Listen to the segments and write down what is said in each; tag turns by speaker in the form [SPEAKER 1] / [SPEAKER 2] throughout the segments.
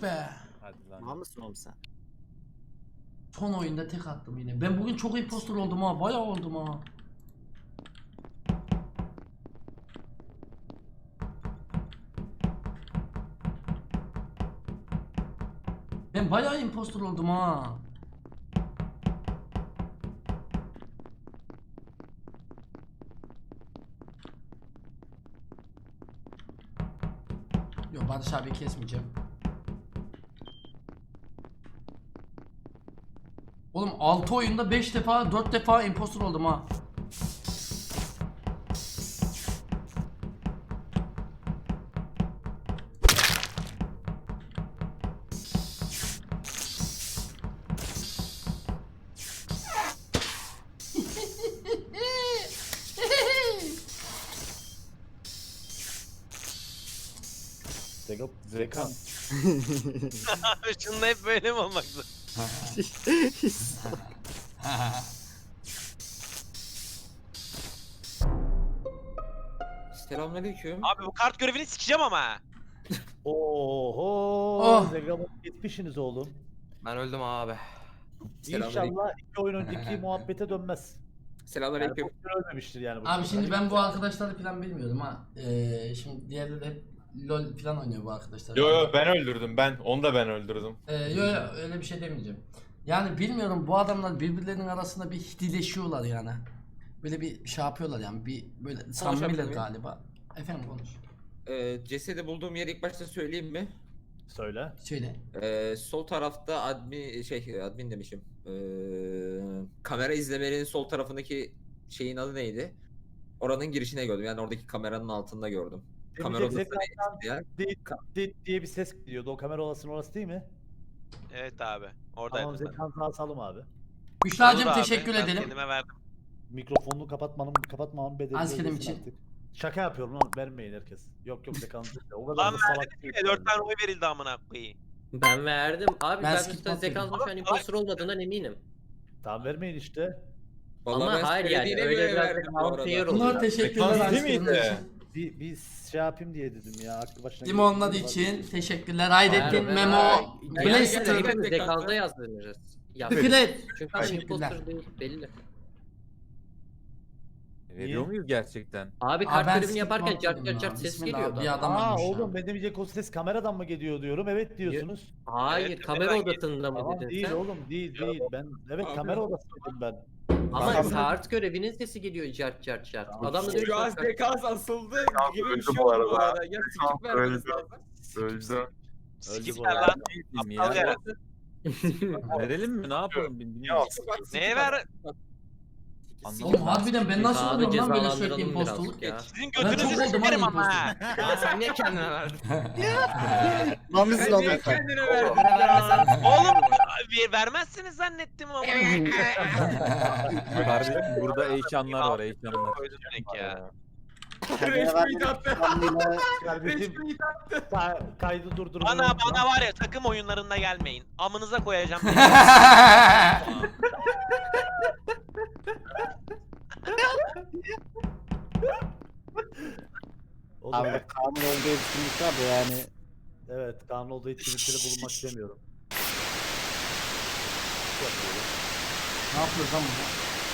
[SPEAKER 1] be.
[SPEAKER 2] Hadi lan.
[SPEAKER 3] Tamam mısın oğlum sen?
[SPEAKER 1] Son oyunda tek attım yine. Ben bugün çok impostor oldum ha. Bayağı oldum ha. Ben bayağı impostor oldum ha. Yok, Barış abi kesmeyeceğim. Oğlum 6 oyunda 5 defa 4 defa impostor oldum ha.
[SPEAKER 2] Zekan.
[SPEAKER 4] Abi şununla hep böyle mi olmak zorunda?
[SPEAKER 5] Selamünaleyküm.
[SPEAKER 4] Abi bu kart görevini sikeceğim ama.
[SPEAKER 2] Oho.
[SPEAKER 1] Oh.
[SPEAKER 2] Zekan gitmişsiniz oğlum.
[SPEAKER 5] Ben öldüm abi.
[SPEAKER 2] İnşallah 2 oyun önceki muhabbete dönmez. Yani
[SPEAKER 5] Selamünaleyküm.
[SPEAKER 2] bu ölmemiştir yani. Bu
[SPEAKER 1] Abi
[SPEAKER 2] sefer.
[SPEAKER 1] şimdi ben bu arkadaşları falan bilmiyorum ha. Şimdi diğerde de LOL falan oynuyor bu arkadaşlar.
[SPEAKER 6] Yo ben öldürdüm ben. Onu da ben öldürdüm.
[SPEAKER 1] Yo öyle bir şey demeyeceğim. Yani bilmiyorum, bu adamlar birbirlerinin arasında bir hidileşiyorlar yani. Böyle bir şey yapıyorlar yani, bir böyle samimiler
[SPEAKER 5] muyum?
[SPEAKER 1] galiba. Efendim konuş.
[SPEAKER 5] Cesedi bulduğum yeri ilk başta söyleyeyim mi?
[SPEAKER 2] Söyle.
[SPEAKER 1] Söyle.
[SPEAKER 5] Sol tarafta admin demişim. Kamera izlemenin sol tarafındaki şeyin adı neydi? Oranın girişine gördüm. Yani oradaki kameranın altında gördüm. Kamera odası
[SPEAKER 2] Zekan'dan
[SPEAKER 5] neydi ya?
[SPEAKER 2] dit diye bir ses geliyordu. O kamera odasının orası değil mi?
[SPEAKER 4] Evet abi.
[SPEAKER 2] Tamam
[SPEAKER 4] Oradaydım ben.
[SPEAKER 2] Zekan sağ salım abi.
[SPEAKER 1] Büşra'cığım
[SPEAKER 4] Olur abi,
[SPEAKER 1] teşekkür
[SPEAKER 4] ben
[SPEAKER 1] edelim.
[SPEAKER 4] Kendime verdim.
[SPEAKER 2] Mikrofonunu kapatmamın bedelini
[SPEAKER 1] Askerim
[SPEAKER 2] ödesin
[SPEAKER 1] için.
[SPEAKER 2] artık. Şaka yapıyorum lan, vermeyin herkes. Yok Zekan. O kadar
[SPEAKER 4] Lan
[SPEAKER 2] da salak
[SPEAKER 4] verdim
[SPEAKER 2] değil.
[SPEAKER 4] bile 4 tane oy verildi amına koyayım.
[SPEAKER 7] Ben verdim. Abi
[SPEAKER 1] Ben
[SPEAKER 7] ben
[SPEAKER 1] skip
[SPEAKER 7] üstten
[SPEAKER 1] atmadım.
[SPEAKER 7] Zekan'ın şu an imposter olmadığından eminim.
[SPEAKER 2] Tamam vermeyin işte.
[SPEAKER 5] Vallahi
[SPEAKER 7] Ama
[SPEAKER 5] ben
[SPEAKER 7] hayır yani
[SPEAKER 5] söylediğine
[SPEAKER 7] öyle
[SPEAKER 5] göre
[SPEAKER 7] biraz
[SPEAKER 5] verdim bu
[SPEAKER 7] da
[SPEAKER 5] arada.
[SPEAKER 7] unfair
[SPEAKER 1] Bunlar
[SPEAKER 7] oluyor.
[SPEAKER 1] teşekkürler
[SPEAKER 6] Zekans değil
[SPEAKER 1] askerler
[SPEAKER 6] miydi?
[SPEAKER 1] için.
[SPEAKER 2] Bir şey yapayım diye dedim ya. Aklı başına
[SPEAKER 1] Değil mi onlar
[SPEAKER 2] geldi.
[SPEAKER 1] için? Teşekkürler. Hayrettin,
[SPEAKER 7] Ver,
[SPEAKER 1] Memo,
[SPEAKER 7] Yani
[SPEAKER 1] Blaster,
[SPEAKER 7] hepimiz Zekan'da yazdırırız.
[SPEAKER 1] Fikret.
[SPEAKER 7] Çünkü hani
[SPEAKER 1] Teşekkürler.
[SPEAKER 7] imposter değil belli.
[SPEAKER 2] Veriyor
[SPEAKER 6] muyuz gerçekten?
[SPEAKER 7] Abi
[SPEAKER 1] Aa,
[SPEAKER 7] kart
[SPEAKER 1] ben
[SPEAKER 7] görevini
[SPEAKER 1] skip
[SPEAKER 7] yaparken cart
[SPEAKER 1] atmadım
[SPEAKER 7] cart
[SPEAKER 1] ya.
[SPEAKER 7] cart ses
[SPEAKER 1] Bismillah,
[SPEAKER 7] geliyordu.
[SPEAKER 1] bir adam
[SPEAKER 2] Aa
[SPEAKER 1] ölmüş ya.
[SPEAKER 2] oğlum ben demeyecek o ses kameradan mı geliyor diyorum. Evet diyorsunuz.
[SPEAKER 7] Hayır
[SPEAKER 4] Evet,
[SPEAKER 7] kamera
[SPEAKER 4] ben
[SPEAKER 7] odasında mı
[SPEAKER 2] Tamam
[SPEAKER 7] dedin
[SPEAKER 2] değil
[SPEAKER 7] sen?
[SPEAKER 2] oğlum değil. Ben evet
[SPEAKER 5] Abi.
[SPEAKER 2] kamera odası dedim ben.
[SPEAKER 7] Ama
[SPEAKER 2] Tamam.
[SPEAKER 7] kart görevinin sesi geliyor cart cart cart.
[SPEAKER 2] Tamam.
[SPEAKER 7] Adam da diyor ki
[SPEAKER 5] Şu an
[SPEAKER 7] bak,
[SPEAKER 5] Zekan asıldı gibi bir
[SPEAKER 6] öldü
[SPEAKER 5] şey
[SPEAKER 6] bu
[SPEAKER 5] oldu bu
[SPEAKER 6] arada.
[SPEAKER 5] arada. Ya sikip vermeniz lazım.
[SPEAKER 6] Öldü.
[SPEAKER 4] Sikipler lan. Aptal ya.
[SPEAKER 6] Verelim mi? Ne yapalım? Bilmiyorum.
[SPEAKER 4] Neye ver?
[SPEAKER 1] Oğlum harbiden ben nasıl
[SPEAKER 7] Abi
[SPEAKER 1] oluyorum lan böyle sürekli
[SPEAKER 7] cezalandıralım
[SPEAKER 1] impostorluk?
[SPEAKER 7] birazcık ya.
[SPEAKER 4] Sizin
[SPEAKER 1] Ben çok
[SPEAKER 4] götünüzü
[SPEAKER 1] oldum
[SPEAKER 4] sikerim
[SPEAKER 1] abi
[SPEAKER 4] ama ha.
[SPEAKER 7] Ya sen niye kendine verdin?
[SPEAKER 3] Lan biz
[SPEAKER 5] Sen niye kendine verdin?
[SPEAKER 4] Oğlum vermezsiniz zannettim ama.
[SPEAKER 6] Kardeşim burada eşyanlar var eşyanlar.
[SPEAKER 4] Koydum direkt ya.
[SPEAKER 5] Resmi attı.
[SPEAKER 2] Kardeşim kaydı durdurun.
[SPEAKER 4] Bana var ya, takım oyunlarında gelmeyin. Amınıza koyacağım.
[SPEAKER 2] Oğlum,
[SPEAKER 3] Abi kanun olduğu etkinlik var da yani.
[SPEAKER 2] evet kanun olduğu etkinliklere bulunmak istemiyorum.
[SPEAKER 1] Ne yapıyoruz lan burada?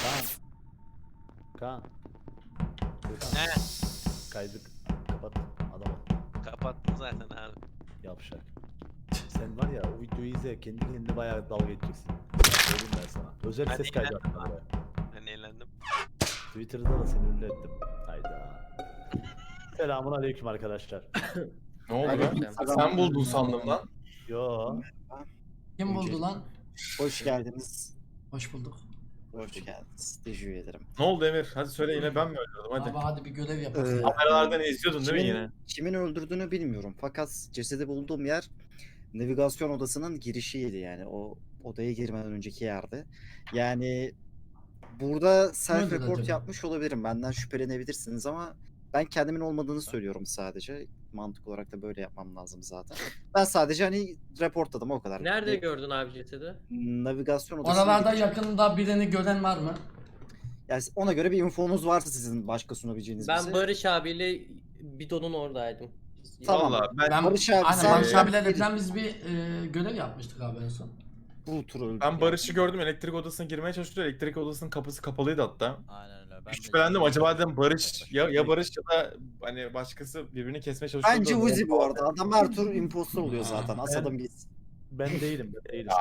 [SPEAKER 2] Kaan.
[SPEAKER 4] Ne?
[SPEAKER 2] Kaydı kapat adam ol.
[SPEAKER 4] Kapattım zaten abi.
[SPEAKER 2] Yavşak. Sen var ya o videoyu izle kendi kendine bayağı dalga geçeceksin. Söyleyeyim ben sana. Özel
[SPEAKER 4] Ben
[SPEAKER 2] ses kaydı
[SPEAKER 4] eğlendim
[SPEAKER 2] attım oraya.
[SPEAKER 4] Ben eğlendim.
[SPEAKER 2] Twitter'da da seni ünlü ettim. Hayda. Selamun aleyküm arkadaşlar.
[SPEAKER 6] Ne oldu
[SPEAKER 3] Aleyküm
[SPEAKER 6] lan?
[SPEAKER 3] selam.
[SPEAKER 6] Sen buldun sandım lan.
[SPEAKER 2] Yo.
[SPEAKER 1] Kim buldu lan?
[SPEAKER 3] Hoş geldiniz.
[SPEAKER 1] Hoş bulduk.
[SPEAKER 3] Hoş geldiniz. Teşekkür ederim.
[SPEAKER 6] Ne oldu Emir? Hadi söyle, yine ben mi öldürdüm? Hadi.
[SPEAKER 1] Abi hadi bir görev yapalım.
[SPEAKER 6] Kameralardan izliyordun değil mi
[SPEAKER 3] Kimin,
[SPEAKER 6] yine?
[SPEAKER 3] kimin öldürdüğünü bilmiyorum. Fakat cesedi bulduğum yer navigasyon odasının girişiydi yani. O odaya girmeden önceki yerde. Yani burada self
[SPEAKER 1] Nerede
[SPEAKER 3] report
[SPEAKER 1] acaba?
[SPEAKER 3] yapmış olabilirim. Benden şüphelenebilirsiniz ama ben kendimin olmadığını söylüyorum sadece. Mantık olarak da böyle yapmam lazım zaten. Ben sadece hani reportladım o kadar.
[SPEAKER 7] Nerede gördün abi cesedi?
[SPEAKER 3] Navigasyon odasının
[SPEAKER 1] Oralarda
[SPEAKER 3] girişi.
[SPEAKER 1] yakında birini gören var mı?
[SPEAKER 3] Yani ona göre bir infonuz varsa sizin başka sunabileceğiniz
[SPEAKER 7] Ben
[SPEAKER 3] bize.
[SPEAKER 7] Barış abiyle bidonun oradaydım.
[SPEAKER 3] Tamam.
[SPEAKER 6] Valla
[SPEAKER 1] Ben,
[SPEAKER 3] Barış abi,
[SPEAKER 1] aynen
[SPEAKER 3] sen-
[SPEAKER 1] Barış abilerle falan biz bir görev yapmıştık abi en son.
[SPEAKER 3] Bu tur öldü.
[SPEAKER 6] ben Barış'ı gördüm, elektrik odasına girmeye çalışıyor. Elektrik odasının kapısı kapalıydı hatta.
[SPEAKER 8] Aynen öyle. Ben
[SPEAKER 6] Şüphelendim, acaba dedim Barış ya Barış ya da hani başkası birbirini kesmeye çalışıyor.
[SPEAKER 3] Bence Uzi bu arada. Adam her tur impostor oluyor zaten. Asadın biz.
[SPEAKER 2] Ben değilim. Ben değilim.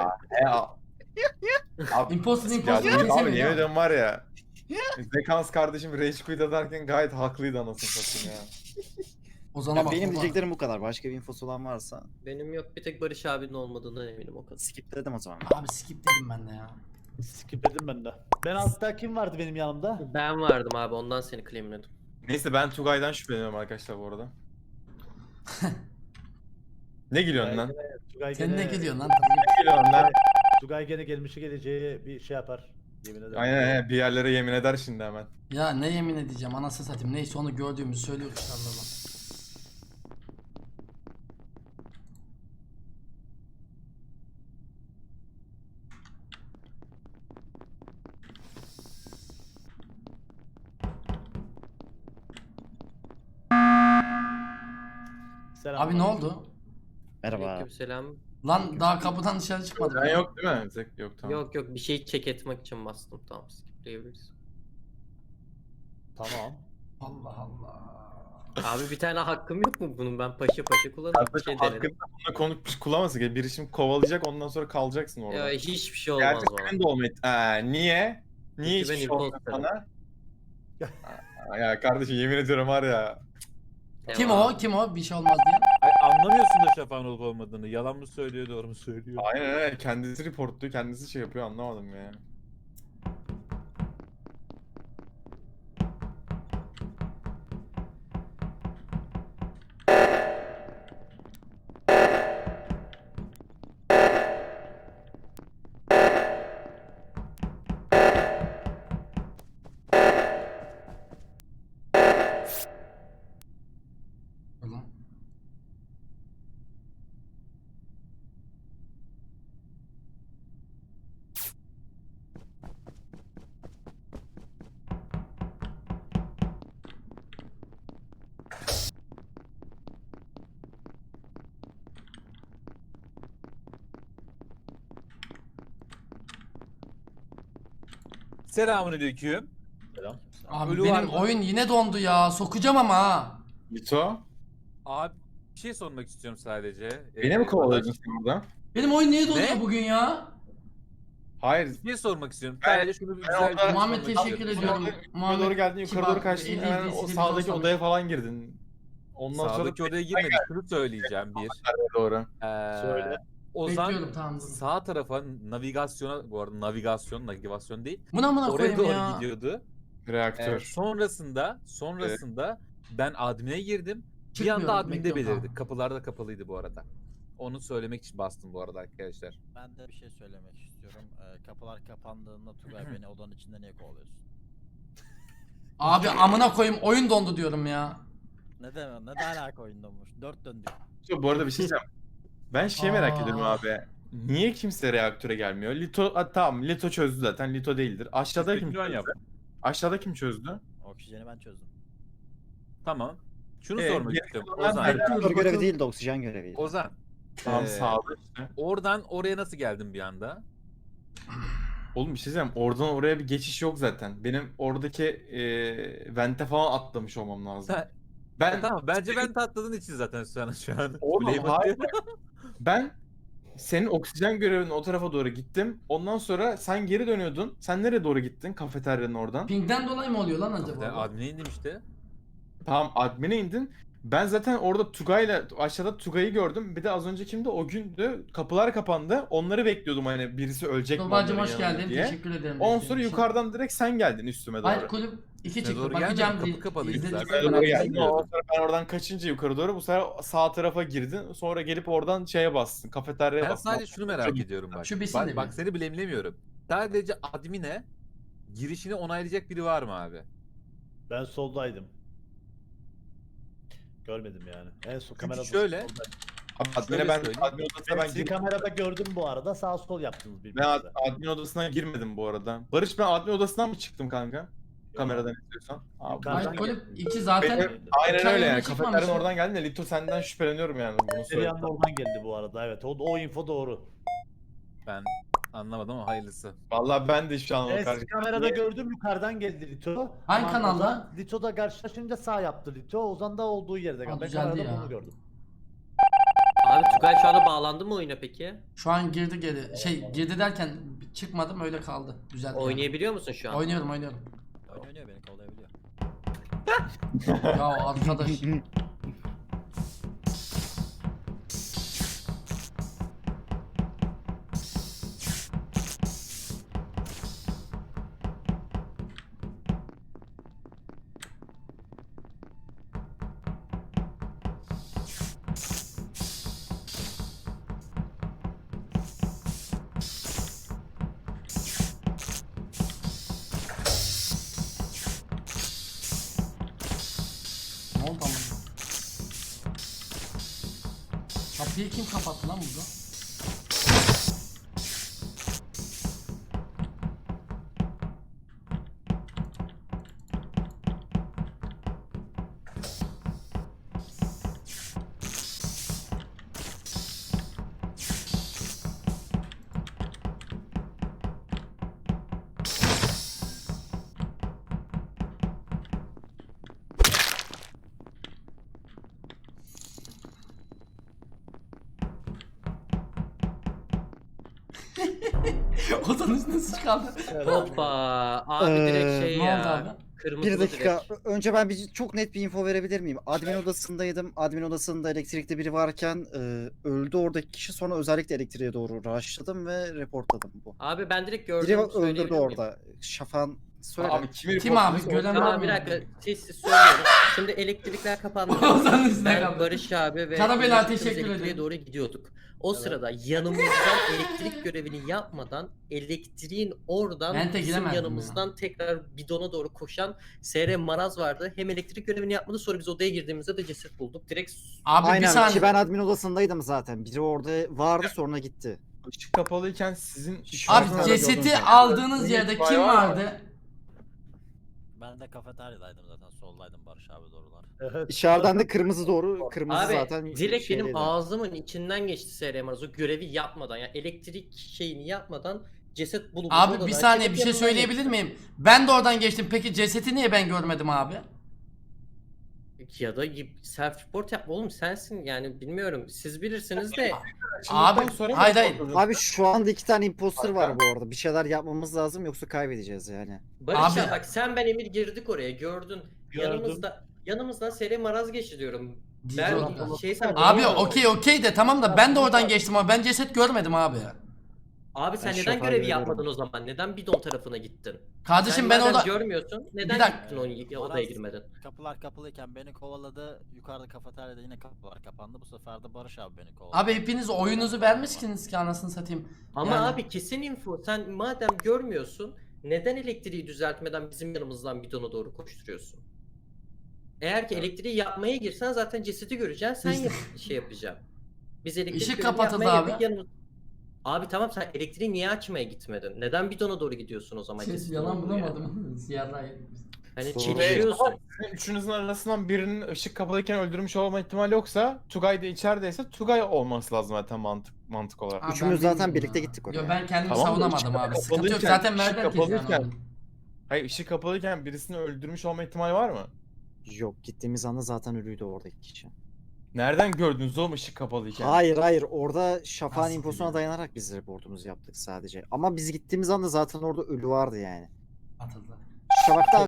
[SPEAKER 6] Abi,
[SPEAKER 1] Imposter
[SPEAKER 6] ya
[SPEAKER 1] imposter
[SPEAKER 6] abi
[SPEAKER 1] kesemiyor
[SPEAKER 6] yemin
[SPEAKER 1] ya.
[SPEAKER 6] ediyorum var ya. Zekans kardeşim rage quit ederken gayet haklıydı anasını satayım ya.
[SPEAKER 1] O zaman bak.
[SPEAKER 3] Benim
[SPEAKER 1] baba.
[SPEAKER 3] diyeceklerim bu kadar. Başka bir infosu olan varsa
[SPEAKER 7] Benim yok, bir tek Barış abinin olmadığından eminim o kadar.
[SPEAKER 3] skip dedim o zaman.
[SPEAKER 1] Abi skip dedim ben de ya.
[SPEAKER 2] Skip dedim ben de. Ben altta kim vardı benim yanımda?
[SPEAKER 7] Ben vardım abi, ondan seni claimledim.
[SPEAKER 6] Neyse ben Tugay'dan şüpheleniyorum arkadaşlar bu arada. Ne gülüyorsun lan?
[SPEAKER 2] Tugay
[SPEAKER 1] Sen ne
[SPEAKER 2] gene-
[SPEAKER 1] geliyorsun lan?
[SPEAKER 6] Ne gülüyorsun lan?
[SPEAKER 2] Tugay gene gelmişi geleceği bir şey yapar. Yemin ederim.
[SPEAKER 6] Aynen bir yerlere yemin eder şimdi hemen.
[SPEAKER 1] Ya ne yemin edeceğim anasını satayım. Neyse onu gördüğümüzü söylüyoruz işte Allah'ım.
[SPEAKER 2] Selam.
[SPEAKER 1] Abi ne oldu?
[SPEAKER 3] Merhaba.
[SPEAKER 7] Aleykümselam.
[SPEAKER 1] Lan daha kapıdan dışarı çıkmadım.
[SPEAKER 6] Ben
[SPEAKER 1] ya.
[SPEAKER 6] yok değil mi? Zek yok tamam.
[SPEAKER 7] Yok yok, bir şey check etmek için bastım, tamam, skipleyebiliriz.
[SPEAKER 2] Tamam.
[SPEAKER 1] Allah Allah.
[SPEAKER 7] Abi bir tane hakkım yok mu bunun? Ben paşa paşa kullanırım. Bir
[SPEAKER 6] Kardeşim
[SPEAKER 7] şey denedim.
[SPEAKER 6] hakkında bununla konuşmuş kullanmasın. Biri şimdi kovalayacak ondan sonra kalacaksın orada.
[SPEAKER 7] Ya hiçbir şey olmaz
[SPEAKER 6] Gerçi
[SPEAKER 7] bana.
[SPEAKER 6] senin de olmayı... Niye? Niye
[SPEAKER 7] Çünkü
[SPEAKER 6] hiçbir
[SPEAKER 7] ben
[SPEAKER 6] şey olmuyor
[SPEAKER 7] imposterım.
[SPEAKER 6] sana? Ya kardeşim yemin ediyorum var ya.
[SPEAKER 1] Kim
[SPEAKER 7] Devam.
[SPEAKER 1] o? Kim o? Bir şey olmaz diye.
[SPEAKER 9] Ay, anlamıyorsun da şafağın olup olmadığını. Yalan mı söylüyor, doğru mu söylüyor?
[SPEAKER 6] Aynen öyle. Kendisi reportluyor, kendisi şey yapıyor anlamadım ya.
[SPEAKER 1] Ulan.
[SPEAKER 9] Selamünaleyküm.
[SPEAKER 2] Selam.
[SPEAKER 1] Abi
[SPEAKER 9] Ölü var
[SPEAKER 1] benim
[SPEAKER 9] mı?
[SPEAKER 1] oyun yine dondu ya. Sokacağım ama ha.
[SPEAKER 6] Lito,
[SPEAKER 9] Abi bir şey sormak istiyorum sadece.
[SPEAKER 6] beni mi kovalıyordun sen burada?
[SPEAKER 1] Benim oyun niye donuyor
[SPEAKER 9] Ne?
[SPEAKER 1] bugün ya?
[SPEAKER 6] Hayır.
[SPEAKER 9] Bir şey sormak istiyorum.
[SPEAKER 6] Ben-
[SPEAKER 9] Sadece şunu bir
[SPEAKER 6] ben
[SPEAKER 9] güzel bir
[SPEAKER 6] orada-
[SPEAKER 9] şey
[SPEAKER 1] Muhammed
[SPEAKER 9] sormak
[SPEAKER 1] teşekkür
[SPEAKER 9] istiyorum.
[SPEAKER 1] ediyorum.
[SPEAKER 6] Yukarı doğru geldin, yukarı
[SPEAKER 1] kibar,
[SPEAKER 6] doğru kaçtın.
[SPEAKER 1] eli
[SPEAKER 6] Hemen o
[SPEAKER 1] dilsiz bir
[SPEAKER 6] sağdaki
[SPEAKER 1] insan
[SPEAKER 6] odaya falan girdin. Ondan
[SPEAKER 9] Sağdaki
[SPEAKER 6] sonra
[SPEAKER 9] odaya girmedim. Şunu söyleyeceğim bir.
[SPEAKER 6] doğru.
[SPEAKER 2] Söyle.
[SPEAKER 9] Ozan
[SPEAKER 1] Bekliyorum, tamam, dur.
[SPEAKER 9] sağ tarafa navigasyona, bu arada navigasyon değil.
[SPEAKER 1] Buna
[SPEAKER 9] Oraya
[SPEAKER 1] koyayım
[SPEAKER 9] doğru
[SPEAKER 1] ya.
[SPEAKER 9] gidiyordu.
[SPEAKER 6] Reaktör.
[SPEAKER 9] Sonrasında ben admine girdim. Bir
[SPEAKER 1] Çıkmıyorum,
[SPEAKER 9] anda adminde
[SPEAKER 1] bekliyorum,
[SPEAKER 9] belirdi.
[SPEAKER 1] tamam.
[SPEAKER 9] Kapılar da kapalıydı bu arada. Onu söylemek için bastım bu arada arkadaşlar.
[SPEAKER 8] Ben de bir şey söylemek istiyorum. Kapılar kapandığında Tugay beni odanın içinde niye kovalıyorsun?
[SPEAKER 1] Abi amına koyayım oyun dondu diyorum ya.
[SPEAKER 8] Ne demek? Ne de alaka oyun donmuş? 4 döndük.
[SPEAKER 6] Bu arada bir şey diyeceğim. Ben şey merak
[SPEAKER 1] Aa.
[SPEAKER 6] ediyorum abi. Niye kimse reaktöre gelmiyor? Lito, tamam Lito çözdü zaten. Lito değildir. Aşağıda kim
[SPEAKER 9] Spekülan
[SPEAKER 6] çözdü?
[SPEAKER 9] yaptım.
[SPEAKER 6] Aşağıda kim çözdü?
[SPEAKER 8] Oksijeni ben çözdüm.
[SPEAKER 9] Tamam. Şunu
[SPEAKER 6] Evet,
[SPEAKER 9] sormak
[SPEAKER 6] geri
[SPEAKER 9] istiyorum.
[SPEAKER 6] kalan
[SPEAKER 9] Ozan.
[SPEAKER 6] ben-
[SPEAKER 3] Reaktör görevi değil de oksijen göreviydi.
[SPEAKER 9] Ozan.
[SPEAKER 6] Tamam
[SPEAKER 9] Ee,
[SPEAKER 6] sağda işte.
[SPEAKER 9] Oradan oraya nasıl geldin bir anda?
[SPEAKER 6] Oğlum bir şey diyeceğim. Oradan oraya bir geçiş yok zaten. Benim oradaki vente falan atlamış olmam lazım.
[SPEAKER 9] Sen-
[SPEAKER 6] Ben
[SPEAKER 9] Tamam bence ben tatladığın için zaten şu an.
[SPEAKER 6] Oğlum
[SPEAKER 9] Kuleye
[SPEAKER 6] hayır.
[SPEAKER 9] bakıyorum.
[SPEAKER 6] Ben senin oksijen görevinin o tarafa doğru gittim. Ondan sonra sen geri dönüyordun. Sen nereye doğru gittin? Kafeteryanın oradan.
[SPEAKER 1] Ping'den dolayı mı oluyor lan
[SPEAKER 9] Ben
[SPEAKER 1] acaba?
[SPEAKER 9] admine indim işte.
[SPEAKER 6] Tamam admin'e indin. Ben zaten orada Tugay'la aşağıda Tugay'ı gördüm. Bir de az önce kimdi? O gündü. Kapılar kapandı. Onları bekliyordum hani birisi ölecek mi
[SPEAKER 1] Tuğba'cım
[SPEAKER 6] onların
[SPEAKER 1] hoş
[SPEAKER 6] yanında
[SPEAKER 1] geldin.
[SPEAKER 6] diye.
[SPEAKER 1] Teşekkür ederim.
[SPEAKER 6] Ondan
[SPEAKER 1] desteğin
[SPEAKER 6] sonra
[SPEAKER 1] için.
[SPEAKER 6] yukarıdan direkt sen geldin üstüme doğru.
[SPEAKER 1] Hayır kulüp 2 çıktı.
[SPEAKER 9] doğru
[SPEAKER 1] Bakacağım
[SPEAKER 9] gelmedim,
[SPEAKER 1] diye.
[SPEAKER 9] kapı kapalıydı
[SPEAKER 1] izledim.
[SPEAKER 9] zaten.
[SPEAKER 6] Yukarı doğru
[SPEAKER 1] Merak
[SPEAKER 6] geldin.
[SPEAKER 1] ettim.
[SPEAKER 6] Ondan sonra ben oradan kaçınca yukarı doğru bu sefer sağ tarafa girdin. Sonra gelip oradan şeye bastın. Kafeteryaya
[SPEAKER 9] Ben
[SPEAKER 6] bastın.
[SPEAKER 9] sadece şunu merak ediyorum bak.
[SPEAKER 1] Şu bitsin de
[SPEAKER 9] Bak
[SPEAKER 1] bir.
[SPEAKER 9] seni bilemlemiyorum. Sadece admine girişini onaylayacak biri var mı abi?
[SPEAKER 2] Ben soldaydım. Görmedim yani. En son kamerada
[SPEAKER 9] şöyle-
[SPEAKER 2] soldaydım.
[SPEAKER 6] Abi admin'e
[SPEAKER 9] Şöyle
[SPEAKER 6] ben
[SPEAKER 9] söyleyeyim.
[SPEAKER 6] admin odasına
[SPEAKER 2] Ben
[SPEAKER 6] ben
[SPEAKER 2] sizi
[SPEAKER 6] girmedim.
[SPEAKER 2] kamerada gördüm bu arada. Sağ sol yaptınız
[SPEAKER 6] Ben
[SPEAKER 2] birbirinize.
[SPEAKER 6] admin odasına girmedim bu arada. Barış ben admin odasından mı çıktım kanka? kameradan izliyorsan. Abi,
[SPEAKER 2] Yukarıdan
[SPEAKER 1] Mike Golem
[SPEAKER 2] geldi.
[SPEAKER 1] 2 zaten
[SPEAKER 6] Benim- aynen
[SPEAKER 1] hikayenin
[SPEAKER 6] öyle yani.
[SPEAKER 1] çıkmamış
[SPEAKER 6] Kafeteryanın
[SPEAKER 1] ya.
[SPEAKER 6] oradan geldi de Lito senden şüpheleniyorum yani bunu
[SPEAKER 2] Bir
[SPEAKER 6] söyle.
[SPEAKER 2] anda oradan geldi bu arada, evet. O info doğru.
[SPEAKER 9] Ben anlamadım ama hayırlısı.
[SPEAKER 6] Vallahi ben de hiçbir şey anlamadım
[SPEAKER 2] Ben
[SPEAKER 6] kardeşim.
[SPEAKER 2] kamerada gördüm, yukarıdan geldi Lito.
[SPEAKER 1] Hangi
[SPEAKER 2] Ama
[SPEAKER 1] kanalda?
[SPEAKER 2] Ozan- Lito da karşılaşınca sağ yaptı Lito. Ozan da olduğu yerde.
[SPEAKER 1] Ha,
[SPEAKER 2] Ben
[SPEAKER 1] düzeldi
[SPEAKER 2] kamerada
[SPEAKER 1] ya.
[SPEAKER 2] bunu gördüm.
[SPEAKER 7] Abi Tugay şu anda bağlandı mı oyuna peki?
[SPEAKER 1] Şu an girdi geri. Girdi derken çıkmadım öyle kaldı. Güzel.
[SPEAKER 7] Oynayabiliyor musun şu an?
[SPEAKER 1] Oynuyorum.
[SPEAKER 8] Oynuyor beni kovalayabiliyor.
[SPEAKER 1] Ya arkadaş. Ne oldu ama? Kapıyı kim kapattı lan burada? Odanın üstüne sıç kaldı.
[SPEAKER 7] Hoppa. Abi direkt şey
[SPEAKER 1] Ne oldu
[SPEAKER 7] ya.
[SPEAKER 1] abi?
[SPEAKER 7] Kırmızı
[SPEAKER 3] Bir dakika.
[SPEAKER 7] direkt.
[SPEAKER 3] Önce ben çok net bir info verebilir miyim? Admin odasındaydım. Admin odasında elektrikte biri varken öldü oradaki kişi. Sonra özellikle elektriğe doğru rushladım ve reportladım bu.
[SPEAKER 7] Abi ben direkt
[SPEAKER 3] Biri
[SPEAKER 7] gördüm.
[SPEAKER 3] öldürdü
[SPEAKER 7] söyleyebilir miyim?
[SPEAKER 3] orada. Şafan söyle.
[SPEAKER 6] Abi kimi
[SPEAKER 1] Kim abi?
[SPEAKER 6] reportluyorsa
[SPEAKER 1] Gören var
[SPEAKER 7] Tamam
[SPEAKER 1] mı?
[SPEAKER 7] bir dakika siz söylüyorum. Şimdi elektrikler kapandı.
[SPEAKER 1] Ozan'ın üstüne
[SPEAKER 7] Ben
[SPEAKER 1] kaldı.
[SPEAKER 7] Barış abi ve
[SPEAKER 1] Karabela,
[SPEAKER 7] arkadaşımız
[SPEAKER 1] teşekkür
[SPEAKER 7] elektriğe
[SPEAKER 1] ederim.
[SPEAKER 7] doğru gidiyorduk. O sırada yanımızdan elektrik görevini yapmadan elektriğin oradan
[SPEAKER 1] Vente
[SPEAKER 7] bizim
[SPEAKER 1] giremezdim
[SPEAKER 7] yanımızdan tekrar bidona doğru koşan SR Maraz vardı. Hem elektrik görevini yapmadı, sonra biz odaya girdiğimizde de ceset bulduk. Direkt
[SPEAKER 1] Abi bir
[SPEAKER 3] Aynen
[SPEAKER 1] saniye.
[SPEAKER 3] ki ben admin odasındaydım zaten. Biri orada vardı sonra gitti.
[SPEAKER 6] ışık kapalıyken sizin
[SPEAKER 1] Abi cesedi aldığınız yerde kim vardı?
[SPEAKER 8] Ben de kafeteryadaydım zaten. Soldaydım Barış abi doğrular.
[SPEAKER 2] Evet.
[SPEAKER 3] İçeriden de kırmızı doğru. Kırmızı
[SPEAKER 7] abi
[SPEAKER 3] zaten
[SPEAKER 7] direkt benim
[SPEAKER 3] şeydeydi.
[SPEAKER 7] ağzımın içinden geçti SR Maraz o görevi yapmadan, yani elektrik şeyini yapmadan ceset bulundu.
[SPEAKER 1] Abi
[SPEAKER 7] Odadan
[SPEAKER 1] bir saniye
[SPEAKER 7] çıkıp
[SPEAKER 1] bir şey
[SPEAKER 7] yanından
[SPEAKER 1] söyleyebilir
[SPEAKER 7] geçti.
[SPEAKER 1] miyim? Ben de oradan geçtim. Peki cesedi niye ben görmedim abi?
[SPEAKER 7] Ya da self report yapma oğlum, sensin yani, bilmiyorum siz bilirsiniz de.
[SPEAKER 1] Abi hayır hayır.
[SPEAKER 3] Abi şu anda 2 tane imposter var bu arada. Bir şeyler yapmamız lazım yoksa kaybedeceğiz yani.
[SPEAKER 7] Barış
[SPEAKER 1] Abi-
[SPEAKER 7] ya bak, sen ben Emir girdik oraya, gördün.
[SPEAKER 2] Gördüm.
[SPEAKER 7] Yanımızdan Seri Maraz geçti diyorum. Ben
[SPEAKER 1] Abi
[SPEAKER 7] sen
[SPEAKER 1] okey de tamam da ben de oradan geçtim ama ben ceset görmedim abi.
[SPEAKER 7] Abi sen
[SPEAKER 3] Ben
[SPEAKER 7] neden
[SPEAKER 3] şoför
[SPEAKER 7] görevi
[SPEAKER 3] görüyorum.
[SPEAKER 7] yapmadın o zaman? Neden bidon tarafına gittin?
[SPEAKER 1] Kardeşim
[SPEAKER 7] Sen
[SPEAKER 1] ben
[SPEAKER 7] madem
[SPEAKER 1] orada
[SPEAKER 7] görmüyorsun. Neden
[SPEAKER 1] dakika.
[SPEAKER 7] gittin o odaya girmedin?
[SPEAKER 8] Kapılar kapalıyken beni kovaladı. Yukarıda kafeteryada yine kapılar kapandı. Bu sefer de Barış abi beni kovaladı.
[SPEAKER 1] abi hepiniz oyunuzu vermişsiniz ki anasını satayım.
[SPEAKER 7] Ama
[SPEAKER 1] Yani-
[SPEAKER 7] abi kesin info. Sen madem görmüyorsun, neden elektriği düzeltmeden bizim yanımızdan bidona doğru koşturuyorsun? Eğer ki elektriği yapmaya girsen zaten cesedi göreceksin, sen şey yapacaksın. Biz elektrik
[SPEAKER 1] Işık
[SPEAKER 7] görevini
[SPEAKER 1] kapatıldı
[SPEAKER 7] yapmaya
[SPEAKER 1] abi.
[SPEAKER 7] girdik, Abi tamam, sen elektriği niye açmaya gitmedin? Neden bidona doğru gidiyorsun o zaman? cesedin
[SPEAKER 1] Yalan
[SPEAKER 7] olduğu yere?
[SPEAKER 1] bulamadım. Siyahlar.
[SPEAKER 7] Hani
[SPEAKER 3] Doğru.
[SPEAKER 7] çelişiyorsun.
[SPEAKER 6] Sizin üçünüzün arasından birinin ışık kapalıyken öldürmüş olma ihtimali yoksa Tugay da içerideyse Tugay olması lazım zaten mantık olarak.
[SPEAKER 1] Abi
[SPEAKER 3] Üçümüz
[SPEAKER 1] ben
[SPEAKER 3] zaten
[SPEAKER 1] bilmiyorum
[SPEAKER 3] birlikte
[SPEAKER 1] ya.
[SPEAKER 3] gittik oraya.
[SPEAKER 1] Yo ben kendimi
[SPEAKER 6] Tamam da
[SPEAKER 1] savunamadım
[SPEAKER 6] ışık
[SPEAKER 1] abi. Sıkıntı yok.
[SPEAKER 6] kapalıyken-
[SPEAKER 1] Zaten
[SPEAKER 6] ışık
[SPEAKER 1] merdiven
[SPEAKER 6] kapalıyken-
[SPEAKER 1] kesiyor.
[SPEAKER 6] Hayır ışık kapalıyken birisini öldürmüş olma ihtimali var mı?
[SPEAKER 3] Yok, gittiğimiz anda zaten ölüydü oradaki kişi.
[SPEAKER 6] Nereden gördünüz oğlum ışık kapalıyken?
[SPEAKER 3] Hayır orada Şafak'ın
[SPEAKER 1] Nasıl
[SPEAKER 3] infosuna
[SPEAKER 1] yani?
[SPEAKER 3] dayanarak biz reportumuzu yaptık sadece. Ama biz gittiğimiz anda zaten orada ölü vardı yani.
[SPEAKER 1] Atıldı.
[SPEAKER 3] Şafak da